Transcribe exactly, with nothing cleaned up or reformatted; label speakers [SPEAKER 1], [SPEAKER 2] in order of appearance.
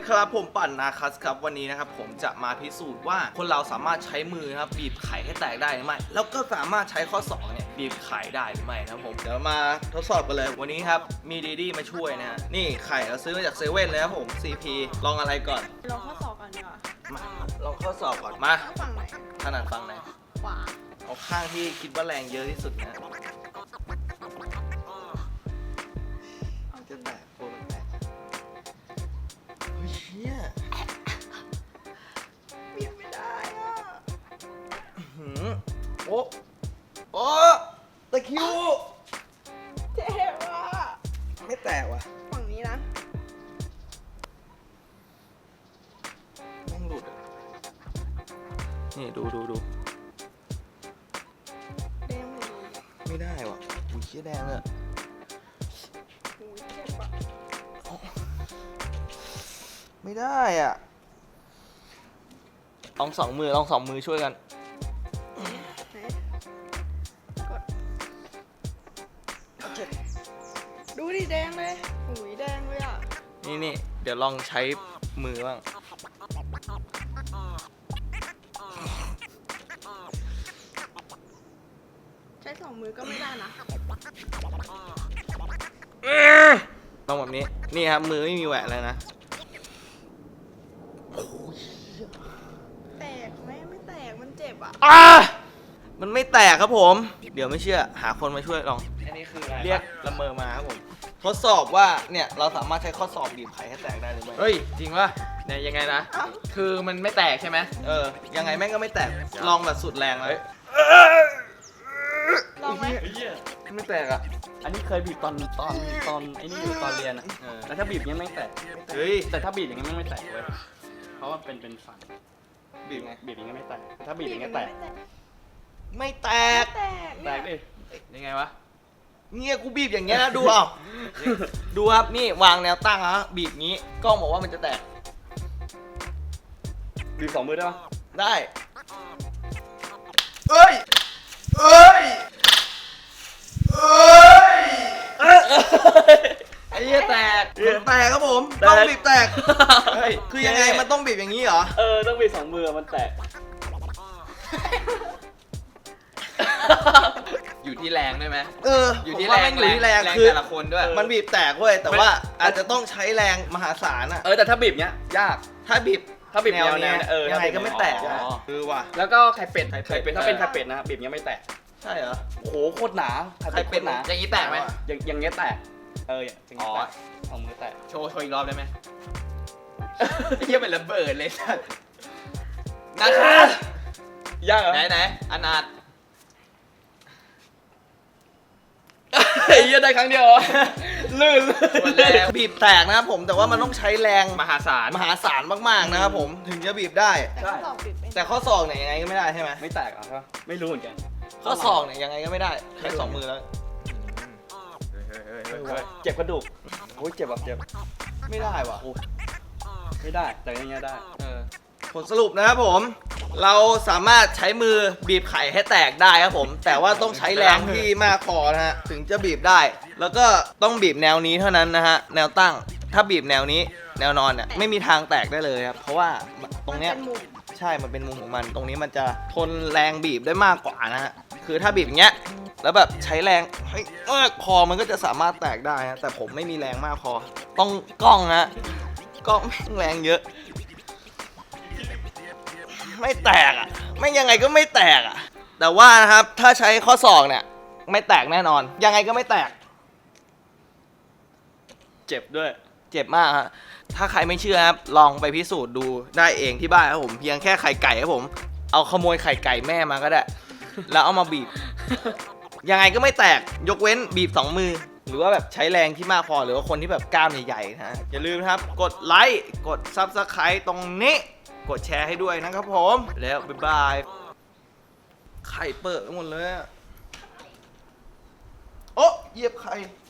[SPEAKER 1] ครับผมปั่นนาคัสครับวันนี้นะครับผมจะมาพิสูจน์ว่าคนเราสามารถใช้มือครับบีบไข่ให้แตกได้หรือไม่แล้วก็สามารถใช้ข้อศอกเนี่ยบีบไข่ได้หรือไม่นะครับผมเดี๋ยวมาทดสอบกันเลยวันนี้ครับมีดีดีมาช่วยนะฮะนี่ไข่เราซื้อมาจากเซเว่นเลยครับผม ซี พี ลองอะไรก่อน
[SPEAKER 2] ลองข้อสอบก่อนดีกว่า
[SPEAKER 1] มาลองข้อสอบก่อนมา
[SPEAKER 2] เอาฝั่งไหน
[SPEAKER 1] ถนัดฟังไหน
[SPEAKER 2] ขวา
[SPEAKER 1] เอาข้างที่คิดว่าแรงเยอะที่สุดนะ
[SPEAKER 2] เอาจริ
[SPEAKER 1] จะ
[SPEAKER 2] ง
[SPEAKER 1] แตกโคตรแตกเฮ้ยเชี่ย
[SPEAKER 2] บีบไม่ได้อ่ะ
[SPEAKER 1] หืมโอ้โอ้ตะคริว
[SPEAKER 2] เจ็บอ่ะ
[SPEAKER 1] ไม่แตกว่ะ
[SPEAKER 2] ฝั่งนี้นะ
[SPEAKER 1] แม่งหลุดอ่ะนี่ดูดูดู
[SPEAKER 2] แดงหมดเลย
[SPEAKER 1] ไม่ได้ว่ะอุ้ยเชี่ยแดงเลยอะ
[SPEAKER 2] โอ้ยเจ็บอ่ะ
[SPEAKER 1] ไม่ได้อ่ะลองสองมือลองสองมือช่วยกัน
[SPEAKER 2] ไหนกดเจ็บดูดิแดงเลยโอ้ยแดงเลยอ่ะ
[SPEAKER 1] นี่นี่เดี๋ยวลองใช้มือบ้าง
[SPEAKER 2] ใช้สองมือก็ไม่ได้นะ
[SPEAKER 1] ลองแบบนี้นี่ครับมือไม่มีแหวะเลยนะ
[SPEAKER 2] แตกไหมไม่แตกมันเจ็บอ่ะ
[SPEAKER 1] อ่ะมันไม่แตกครับผม เดี๋ยวไม่เชื่อหาคนมาช่วยลอง
[SPEAKER 3] อันนี้คืออะไร
[SPEAKER 1] เรียกละเมอมาครับผมทดสอบว่าเนี่ยเราสามารถใช้ข้อสอบบีบไข่ให้แตกได้หรือไม่
[SPEAKER 3] เฮ้ย จริงป่ะเนี่ยยังไงนะ
[SPEAKER 2] เอ้า
[SPEAKER 3] คือมันไม่แตกใช่ไหม
[SPEAKER 1] เออยังไงแม่งก็ไม่แตกลองแบบสุดแรงเลย
[SPEAKER 2] ลองไหม
[SPEAKER 1] ไม่แตกอ่ะ
[SPEAKER 4] อันนี้เคยบีบตอนตอนตอนไอ้นี่อยู่ตอนเรียนอะ
[SPEAKER 1] เออ
[SPEAKER 4] แล้วถ้าบีบอย่างนี้ไม่แตก
[SPEAKER 1] เฮ้ย
[SPEAKER 4] แต่ถ้าบีบอย่างนี้ไม่แตกเลยเพราะว่าเป็นเป็นฝัน
[SPEAKER 1] บีบไง
[SPEAKER 4] บีบอย่างนี้ไม่แตกถ้าบีบอย่างนี้แตก
[SPEAKER 1] ไม่แตก
[SPEAKER 2] แตก
[SPEAKER 4] แตกดิ
[SPEAKER 3] ยังไงวะ
[SPEAKER 1] เนี่ยกูบีบอย่างเงี้ยนะดูเอาดูครับนี่วางแนวตั้งฮะบีบงี้กล้องบอกว่ามันจะแตก
[SPEAKER 4] บีบสองมือได้ปะ
[SPEAKER 1] ได้เอ้ยเอ้ยเอ้ย
[SPEAKER 3] ไอ้เหี้ยแตก
[SPEAKER 1] แตกครับผมต้องบีบแตก
[SPEAKER 4] เฮ้ย
[SPEAKER 1] คือยังไงมันต้องบีบอย่างนี้เหรอ
[SPEAKER 4] เออต้องบีบสองมือมันแตก
[SPEAKER 3] อยู่ที่แรงด้วยไหม
[SPEAKER 1] เออ
[SPEAKER 3] อยู่
[SPEAKER 1] ผม
[SPEAKER 3] ที่
[SPEAKER 1] ว่า
[SPEAKER 3] แรง
[SPEAKER 1] แม่งอยู่ที่แรง
[SPEAKER 3] แรง
[SPEAKER 1] คือ
[SPEAKER 3] แต่ละคนด้วย
[SPEAKER 1] มันบีบแตกเว้ยแต่ว่าอาจจะต้องใช้แรงมหาศาลอะ
[SPEAKER 4] เออแต่ถ้าบีบเนี้ยยาก
[SPEAKER 1] ถ้าบีบ
[SPEAKER 4] ถ้าบีบ
[SPEAKER 1] แนว
[SPEAKER 4] แนว
[SPEAKER 1] เนี้ย
[SPEAKER 4] เออ
[SPEAKER 1] ยังไงก็ไม่แตก
[SPEAKER 4] อ๋อ
[SPEAKER 1] นะคือว่ะ
[SPEAKER 4] แล้วก็ไข่เป็ด
[SPEAKER 1] ไข่
[SPEAKER 4] ไข่
[SPEAKER 1] เป็
[SPEAKER 4] เป็
[SPEAKER 1] ด
[SPEAKER 4] ดถ้าเป็นไข่เป็ดนะบีบเนี้ยไม่แตก
[SPEAKER 1] ใช่เหรอ
[SPEAKER 4] โอ้โหโคตรหนาไข่
[SPEAKER 1] ไข่เป็
[SPEAKER 4] เป็
[SPEAKER 1] ด
[SPEAKER 4] ดหนา
[SPEAKER 3] อย่างนี้แตกไหม
[SPEAKER 4] อย่างอย่างเงี้ยแตกเอออย่างเงี้ย
[SPEAKER 3] อ๋อ
[SPEAKER 4] แตกเอามือแตก
[SPEAKER 3] โชว์โชว์อีกรอบได้ไหมไอ้เหี้ยเป็นระเบิดเลยสัสนะคะ
[SPEAKER 4] ยากเหรอ
[SPEAKER 3] ไหนไหนอนาถ
[SPEAKER 4] ไอ้เหี้ยได้ครั้งเดียวเหรอลื่น
[SPEAKER 3] หมดแล้ว
[SPEAKER 1] บีบแตกนะครับผมแต่ว่ามันต้องใช้แรง
[SPEAKER 3] มหาศาล
[SPEAKER 1] มหาศาลมากๆนะครับผมถึงจะบีบได้
[SPEAKER 2] แต่ข้อสอบบีบไม่ได้
[SPEAKER 1] แต่ข้อศอกเนี่ยยังไงก็ไม่ได้ใช่ไหม
[SPEAKER 4] ไม่แตกเหรอครับไม่รู้เหมือนกัน
[SPEAKER 1] ข้อศอกเนี่ยยังไงก็ไม่ได้ใช้สองมือแล้ว
[SPEAKER 4] เจ็บกระดูกโอ้ยเจ็บแบบเจ็บ
[SPEAKER 1] ไม่ได้ว่ะ
[SPEAKER 4] ไม่ได้แต่อย่างเงี้ยได้
[SPEAKER 1] เออผลสรุปนะครับผม เราสามารถใช้มือบีบไข่ให้แตกได้ครับผม แต่ว่าต้องใช้แรงที่มากพอนะฮะถึงจะบีบได้ แล้วก็ต้องบีบแนวนี้เท่านั้นนะฮะแนวตั้งถ้าบีบแนวนี้แนวนอนเนี่ยไม่มีทางแตกได้เลยครับเพราะว่าตรงเนี้ย
[SPEAKER 2] มันป็มุม
[SPEAKER 1] ใช่ มันเป็นมุมของมัน ตรงนี้มันจะทนแรงบีบได้มากกว่านะฮะ คือถ้าบีบอย่างเงี้ย แล้วแบบใช้แรงให้มากพอมันก็จะสามารถแตกได้ฮะ แต่ผมไม่มีแรงมากพอ ต้องกล้องฮะ กล้องแม่งแรงเยอะ ไม่แตกอ่ะ ไม่ยังไงก็ไม่แตกอ่ะ แต่ว่านะครับ ถ้าใช้ข้อศอกเนี่ย ไม่แตกแน่นอน ยังไงก็ไม่แตก
[SPEAKER 4] เจ็บด้วย
[SPEAKER 1] เจ็บมากฮะ ถ้าใครไม่เชื่อครับ ลองไปพิสูจน์ดูได้เองที่บ้านครับผม เพียงแค่ไข่ไก่ครับผม เอาขโมยไข่ไก่แม่มาก็ได้ แล้วเอามาบีบ ยังไงก็ไม่แตก ยกเว้นบีบสองมือ หรือว่าแบบใช้แรงที่มากพอ หรือว่าคนที่แบบกล้ามใหญ่ๆนะฮะ อย่าลืมนะครับ กดไลค์ กด ซับสไครบ์ ตรงนี้ กดแชร์ให้ด้วยนะครับผม แล้วบ๊ายบาย ไข่เปิดไปหมดเลยอะโอ๊ะเหยียบไข่